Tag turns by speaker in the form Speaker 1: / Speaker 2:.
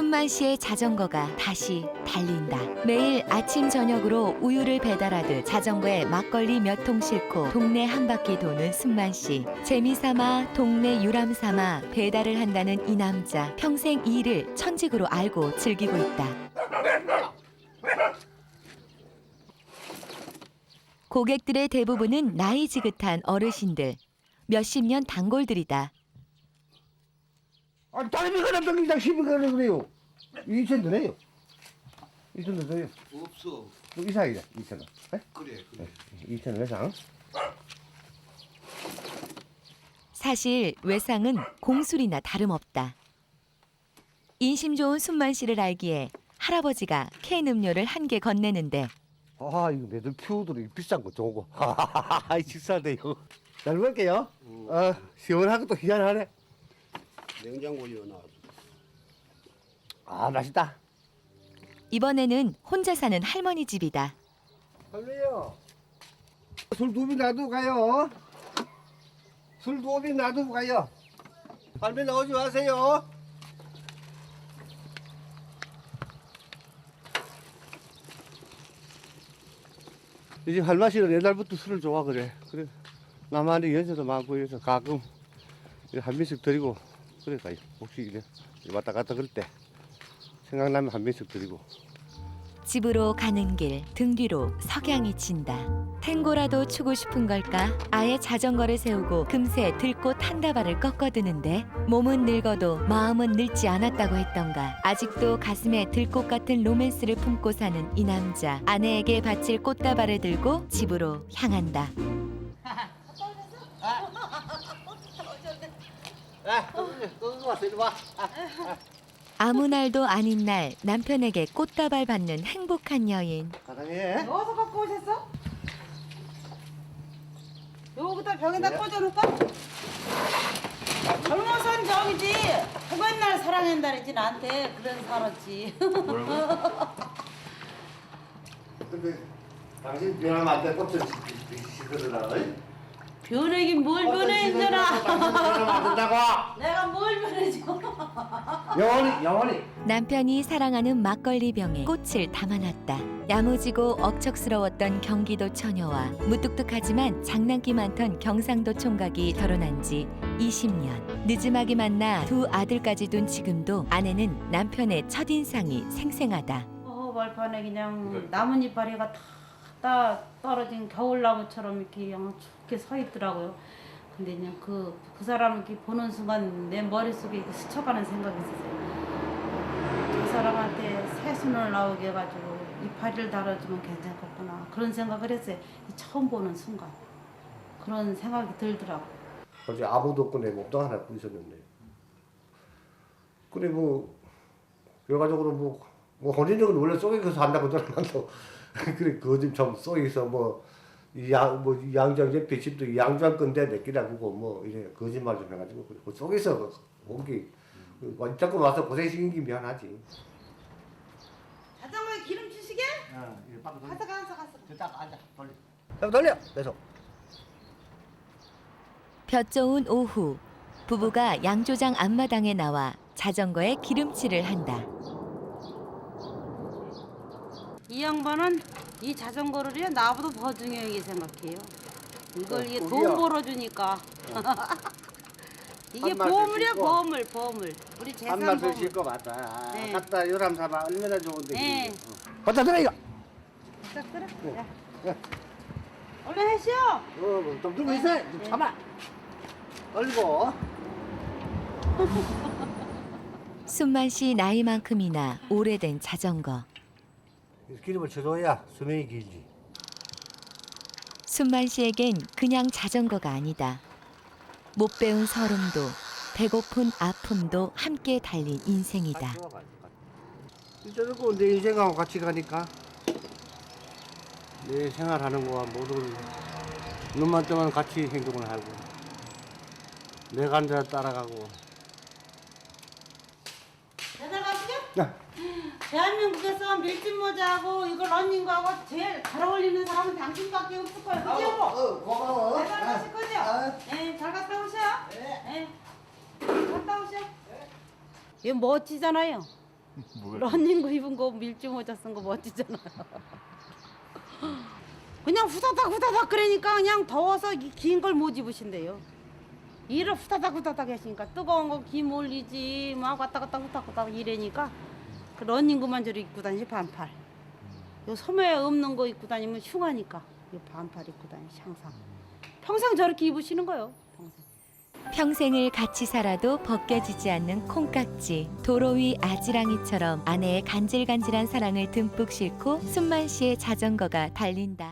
Speaker 1: 순만 씨의 자전거가 다시 달린다. 매일 아침 저녁으로 우유를 배달하듯 자전거에 막걸리 몇 통 싣고 동네 한 바퀴 도는 순만 씨. 재미삼아 동네 유람 삼아 배달을 한다는 이 남자. 평생 이 일을 천직으로 알고 즐기고 있다. 고객들의 대부분은 나이 지긋한 어르신들. 몇십 년 단골들이다.
Speaker 2: 아니 다른 거는 병기장 10원 그래요. 2천 드네요. 2천 더 줘요.
Speaker 3: 없어.
Speaker 2: 이상이다. 2천 원. 네?
Speaker 3: 그래.
Speaker 2: 2천 원 이상.
Speaker 1: 사실 외상은 공술이나 다름없다. 인심 좋은 순만 씨를 알기에 할아버지가 캔 음료를 한 개 건네는데
Speaker 2: 아 이거 매들 퓨들이 비싼 거 좋은 거. 하하하 식사돼요. 잘 먹을게요. 시원하고 또 희한하네.
Speaker 3: 냉장고 이어놨어.
Speaker 2: 아 맛있다.
Speaker 1: 이번에는 혼자 사는 할머니 집이다.
Speaker 2: 할매요. 술 두 빈 놔두고 가요. 술 두 빈 놔두고 가요. 할매 나오지 마세요. 이 집 할머니는 옛날부터 술을 좋아 그래. 그래 나만의 연세도 많고 이래서 가끔 한 병씩 드리고 그래 가요. 혹시 이래 왔다 갔다 그럴 때 생각나면 한 병씩 드리고.
Speaker 1: 집으로 가는 길 등 뒤로 석양이 친다. 탱고라도 추고 싶은 걸까? 아예 자전거를 세우고 금세 들꽃 한 다발을 꺾어드는데 몸은 늙어도 마음은 늙지 않았다고 했던가. 아직도 가슴에 들꽃 같은 로맨스를 품고 사는 이 남자. 아내에게 바칠 꽃다발을 들고 집으로 향한다. 아무 날도 아닌 날 남편에게 꽃다발 받는 행복한 여인.
Speaker 2: 사랑해.
Speaker 4: 어디서 갖고 오셨어? 여기다 벽에다 꽂아놓을까? 젊어선 저기지. 그날 사랑한다 그랬지 나한테. 그래서 살았지.
Speaker 2: 근데 당신 변하면 안 돼. 꽃을 시들으라.
Speaker 4: 변하긴 뭘 변해있더라.
Speaker 2: 변하면 안 된다고.
Speaker 4: 내가 뭘 변해줘.
Speaker 2: 영원히.
Speaker 1: 남편이 사랑하는 막걸리 병에 꽃을 담아놨다. 야무지고 억척스러웠던 경기도 처녀와 무뚝뚝하지만 장난기 많던 경상도 총각이 결혼한 지 20년. 늦음하게 만나 두 아들까지 둔 지금도 아내는 남편의 첫인상이 생생하다.
Speaker 4: 말판에 그냥 나뭇잎파리가 다 떨어진 겨울나무처럼 이렇게 그냥 좋게 서 있더라고요. 근데 그냥 그 사람을 이렇게 보는 순간 내 머릿속에 이렇게 스쳐가는 생각이 있었어요. 그 사람한테 새순을 나오게 해가지고 이파리를 달아주면 괜찮겠구나. 그런 생각을 했어요. 처음 보는 순간. 그런 생각이 들더라고요.
Speaker 2: 어제 아무도 없고 내 몸도 하나 입고 있었는데. 근데 뭐 결과적으로 뭐 혼인적은 원래 속에서 산다고 들어만도 그래 그 집 좀 속에서 양장 옆에 집도 양장 건데 몇 개라고 뭐 이래 거짓말 좀 해가지고 그 속에서 거기 자꾸 와서 고생시킨 게 미안하지.
Speaker 4: 자전거에 기름 주시게? 가서.
Speaker 2: 딱 앉아 돌려. 계속.
Speaker 1: 볕 좋은 오후 부부가 양조장 앞마당에 나와 자전거에 기름칠을 한다.
Speaker 4: 이 양반은 이 자전거를요 나보다 더 중요하게 생각해요. 이걸 이게 돈
Speaker 2: 우리야.
Speaker 4: 벌어주니까. 이게
Speaker 2: 한 말씀
Speaker 4: 보물이야
Speaker 2: 싣고.
Speaker 4: 보물. 우리 재산
Speaker 2: 한 말씀
Speaker 4: 보물.
Speaker 2: 싣고 맞다.
Speaker 4: 네.
Speaker 2: 갖다 요람 사봐 얼마나 좋은데.
Speaker 4: 네.
Speaker 2: 갖다 드려 이거.
Speaker 4: 딱 들어. 야.
Speaker 2: 야.
Speaker 4: 얼른 해시오.
Speaker 2: 좀 들고 있어. 좀 참아. 얼고.
Speaker 1: 순만 씨 나이만큼이나 오래된 자전거.
Speaker 2: 기름을 쳐줘야 수명이 길지.
Speaker 1: 순만 씨에겐 그냥 자전거가 아니다. 못 배운 서름도 배고픈 아픔도 함께 달린 인생이다.
Speaker 2: 저러고 내 인생하고 같이 가니까 내 생활하는 거와 모든 눈만 뜨면 같이 행동을 하고 내가 한 대로 따라가고.
Speaker 4: 배달 가시죠?
Speaker 2: 야.
Speaker 4: 대한민국에서 밀짚 모자하고 이거 러닝거하고 제일 잘 어울리는 사람은 당신밖에 없을 거예요. 그죠 여보?
Speaker 2: 고마워.
Speaker 4: 배달 가실 거죠? 네, 잘 갔다 오셔. 네. 갔다 오셔. 이거 멋지잖아요. 러닝구 입은 거 밀짚 모자 쓴 거 멋지잖아요. 그냥 후다닥 그러니까 그냥 더워서 긴 걸 못 입으신대요. 일을 후다닥 하시니까 뜨거운 거 김 올리지 막 왔다 갔다 후다닥 이래니까 그 러닝구만 저리 입고 다니지 반팔. 요 소매에 없는 거 입고 다니면 흉하니까 요 반팔 입고 다니시 항상. 평생 저렇게 입으시는 거예요. 평생.
Speaker 1: 평생을 같이 살아도 벗겨지지 않는 콩깍지, 도로 위 아지랑이처럼 아내의 간질간질한 사랑을 듬뿍 싣고 순만 씨의 자전거가 달린다.